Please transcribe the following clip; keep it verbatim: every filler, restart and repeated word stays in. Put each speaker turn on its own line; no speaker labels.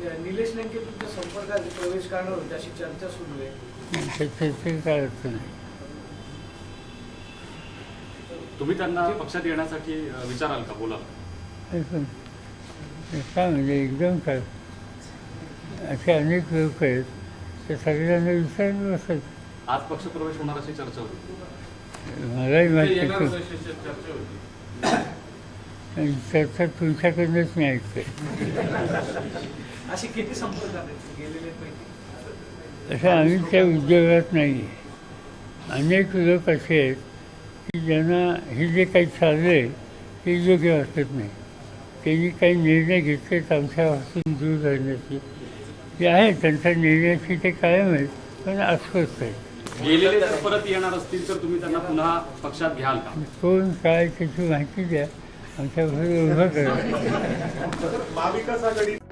निलेश लंके तुमच्या संपर्कात प्रवेश करणार होते अशी चर्चा सुरू आहे.
त्याचे काय अर्थ नाही.
तुम्ही त्यांना पक्षात येण्यासाठी विचाराल का, बोलाल?
काय म्हणजे एकदम काय असे अनेक लोक आहेत ते सगळ्यांना विचारलं असत.
आज पक्षप्रवेश होणार अशी चर्चा होती.
मलाही माहिती चर्चा तुमच्याकडूनच मी ऐकतोय.
अशी किती संपर्कात गेलेले पैकी?
असं आम्ही त्या उद्योगात नाही आहे. अनेक लोक असे आहेत की ज्यांना हे जे काही चाललं आहे ते योग्य वाटत नाही. त्यांनी काही निर्णय घेतलेत आमच्यापासून दूर राहण्याची ते आहेत. त्यांच्या निर्णयाची ते कायम आहेत पण अस्वस्थ आहेत.
गेलेले जर परत येणार असतील तर तुम्ही त्यांना पुन्हा पक्षात घ्याल का?
कोण काय त्याची माहिती द्या, आमच्याबरोबर उभं करा.
महाविकास आघाडी